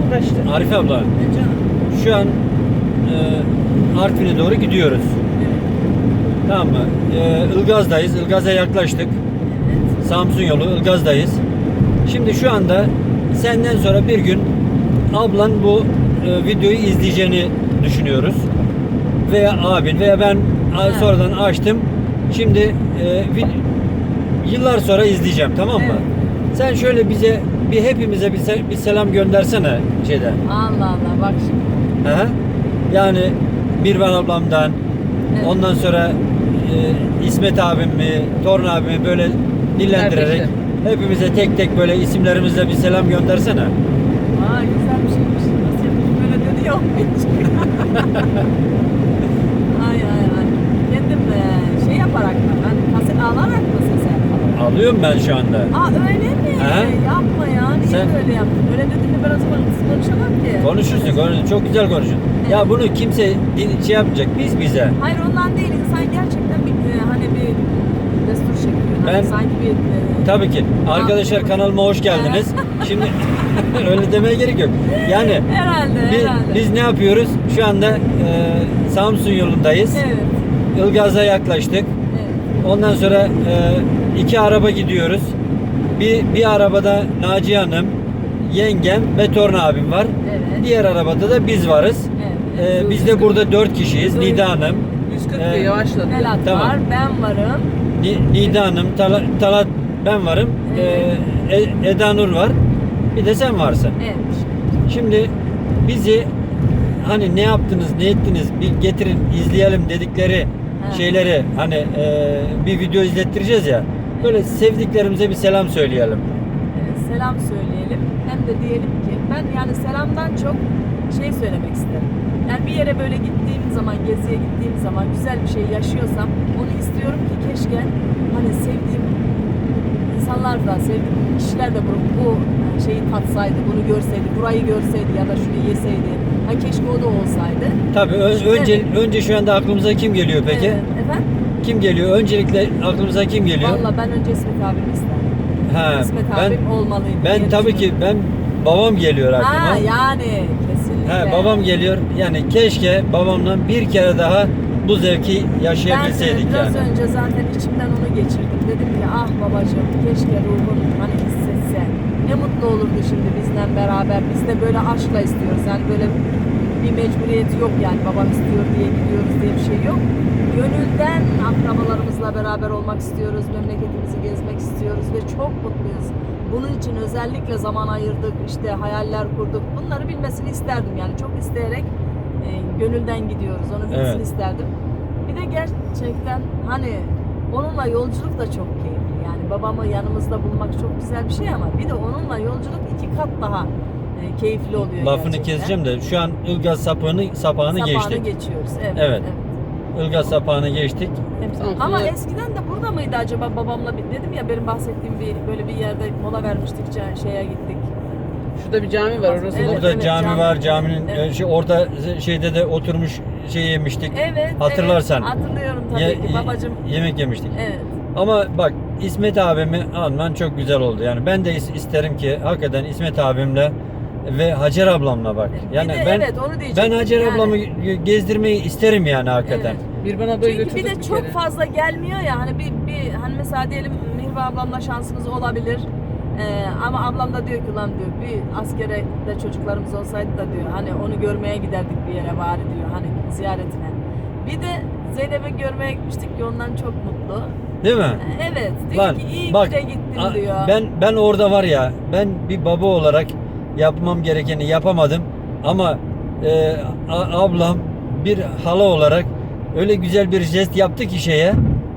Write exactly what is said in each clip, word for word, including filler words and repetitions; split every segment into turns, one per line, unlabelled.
yaklaştı.
Arife abla,
E canım.
şu an e, Artvin'e doğru gidiyoruz. Tamam mı? E, Ilgaz'dayız. Ilgaz'a yaklaştık.
Evet.
Samsun yolu, Ilgaz'dayız. Şimdi şu anda senden sonra bir gün ablan bu e, videoyu izleyeceğini düşünüyoruz. Veya abin veya ben a-
Evet.
sonradan açtım. Şimdi e, vi- yıllar sonra izleyeceğim, tamam mı?
Evet.
Sen şöyle bize bir hepimize bir, se- bir selam göndersene şeyden.
Allah Allah bak şimdi.
Hı hı. Yani Mirvan ablamdan,
Evet.
ondan sonra e, İsmet abimi, Torun abimi böyle dillendirerek
Kardeşim.
hepimize tek tek böyle isimlerimizle bir selam göndersene.
Aa güzel bir şeymiş. Nasıl yapayım böyle dedi ya. Ay ay ay. Kendim e, şey yaparak mı? Hani kaset alarak mı ses yapalım?
Alıyorum ben şu anda.
Aa öyle mi?
He?
Yapma ya. Niye
Sen-
böyle yaptın? Öyle dediğinde ben o zaman konuşamam ki.
Konuşursun, konuşursun. Çok güzel konuşun. Ya bunu kimse din- şey yapmayacak. Biz bize.
Hayır ondan değil. İnsan gerçekten bir e, hani bir destur çekiyor. Hani
Ben-
sanki bir e,
Tabii ki. Arkadaşlar kanalıma hoş geldiniz. Şimdi öyle demeye gerek yok. Yani
herhalde
biz,
herhalde.
biz ne yapıyoruz? Şu anda e, Samsun yolundayız.
Evet.
Ilgaz'a yaklaştık.
Evet.
Ondan sonra e, iki araba gidiyoruz. Bir, bir arabada Naciye Hanım, yengem ve Torun abim var.
Evet.
Diğer arabada da biz varız.
Evet.
E, biz de burada dört kişiyiz. Nida Hanım,
yüz kırk
Ee,
yavaşladı.
Melat
Tamam.
var, ben varım.
Ni- Nida Hanım, Tala- Talat, ben varım.
Evet.
E, E- Eda Nur var. Bir de sen varsın.
Evet.
Şimdi bizi hani ne yaptınız, ne ettiniz bir getirin izleyelim dedikleri
Ha.
şeyleri hani e, bir video izlettireceğiz ya. Böyle sevdiklerimize bir selam söyleyelim.
Ee, selam söyleyelim. Hem de diyelim ki ben yani selamdan çok şey söylemek isterim. Yani bir yere böyle gittiğim zaman, geziye gittiğim zaman güzel bir şey yaşıyorsam onu istiyorum ki keşke hani sevdiğim insanlar da, sevdiğim kişiler de bu, bu şeyi tatsaydı, bunu görseydi, burayı görseydi ya da şunu yeseydi. Ha keşke o da olsaydı.
Tabii ö-
Evet.
önce önce şu anda aklımıza kim geliyor peki?
Evet, efendim?
Kim geliyor? Öncelikle aklımıza kim geliyor?
Valla ben önce İsmet abimi isterdim.
Ha,
İsmet
ben
abim olmalıydı.
ben
diye
tabii ki
düşünüyorum.
ben babam geliyor aklıma.
Ha yani kesinlikle.
Ha, babam geliyor. Yani keşke babamla bir kere daha bu zevki yaşayabilseydik
Ben de biraz
yani.
önce zaten içimden onu geçirdim. Dedim ki ah babacığım keşke ruhun hani hissetse. Ne mutlu olurdu şimdi bizden beraber. Biz de böyle aşkla istiyoruz. Yani böyle bir mecburiyeti yok yani babam istiyor diye gidiyoruz diye bir şey yok. Gönülden akrabalarımızla beraber olmak istiyoruz. Memleketimizi gezmek istiyoruz ve çok mutluyuz. Bunun için özellikle zaman ayırdık, işte hayaller kurduk. Bunları bilmesini isterdim yani çok isteyerek e, gönülden gidiyoruz. Onu bilmesini
Evet.
isterdim. Bir de gerçekten hani onunla yolculuk da çok keyifli. Yani babamı yanımızda bulmak çok güzel bir şey ama bir de onunla yolculuk iki kat daha e, keyifli oluyor.
Lafını
gerçekten.
keseceğim de şu an Ilgaz sapağını sapağını
Sapağını
geçtik.
geçiyoruz. Evet.
Evet. Ilgaz sapağını geçtik.
Evet. Ama eskiden de burada mıydı acaba babamla bir dedim ya benim bahsettiğim bir böyle bir yerde mola vermiştik şeye gittik.
Şurada bir cami var orası.
Evet,
da-
Burada
evet,
cami
cami.
var. Caminin
Evet.
şey, orada şeyde de oturmuş şey yemiştik.
Evet.
Hatırlarsan.
Evet, hatırlıyorum tabii
Ye-
ki
ye-
babacığım.
yemek yemiştik.
Evet.
Ama bak İsmet abimi alman çok güzel oldu. Yani ben de is- isterim ki hakikaten İsmet abimle ve Hacer ablamla bak. Yani
bir de
ben
evet onu diyecektim.
ben Hacer
yani.
ablamı ge- gezdirmeyi isterim yani hakikaten.
Evet.
Bir bana ablayı
Çünkü bir
götürdük
de
bir
çok
kere.
fazla gelmiyor ya hani bir, bir hani mesela diyelim Mihva ablamla şansınız olabilir. Ee, ama ablam da diyor ki lan diyor bir askere de çocuklarımız olsaydı da diyor hani onu görmeye giderdik bir yere bari diyor hani ziyaretine. Bir de Zeynep'i görmeye gitmiştik ki ondan çok mutlu.
Değil mi?
Ee, Evet diyor
Lan
ki iyi
bak
ki de gittim
a-
diyor.
ben ben orada var ya ben bir baba olarak yapmam gerekeni yapamadım ama e, a- ablam bir hala olarak öyle güzel bir jest yaptı ki şeye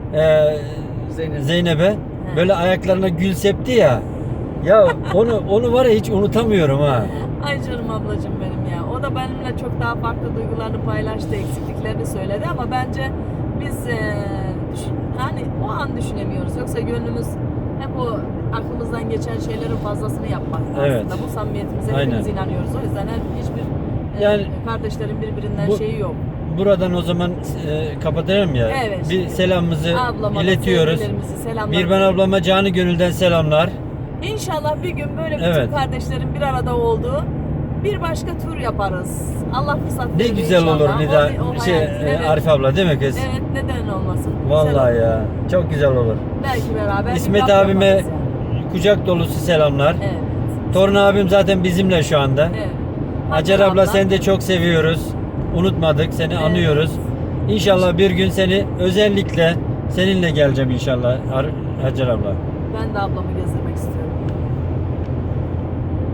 e,
Zeynep.
Zeynep'e böyle ayaklarına gül septi ya. Ya onu onu var ya hiç unutamıyorum ha.
Ay canım ablacığım benim ya. O da benimle çok daha farklı duygularını paylaştı, eksikliklerini söyledi ama bence biz e, düşün, hani o an düşünemiyoruz. Yoksa gönlümüz hep o aklımızdan geçen şeylerin fazlasını yapmak
Evet.
aslında. Bu samimiyetimize
Aynen.
hepimiz inanıyoruz. O yüzden her, hiçbir e,
Yani
kardeşlerin birbirinden
bu-
şeyi yok.
Buradan o zaman e, kapatalım ya.
Evet.
Bir selamımızı
Ablama da
iletiyoruz.
sevgilerimizi, selamlarımızı.
Mirvan ablama canı gönülden selamlar.
İnşallah bir gün böyle bütün
Evet.
kardeşlerin bir arada olduğu bir başka tur yaparız. Allah fırsat
Ne
verir
güzel olur
inşallah.
Nida,
O- o
şey,
hayal-
e,
evet.
Arif abla değil mi kız?
Evet, neden olmasın? Güzel
Vallahi
olur.
ya, çok güzel olur.
Belki beraber bir
İsmet
kamp
abime
yaparız yani.
kucak dolusu selamlar.
Evet.
Torun abim zaten bizimle şu anda.
Evet.
Hacer abla seni de çok seviyoruz. Unutmadık, seni
Evet.
anıyoruz. İnşallah bir gün seni özellikle seninle geleceğim inşallah Ar- Hacer abla.
Ben de ablamı gezdirmek istiyorum.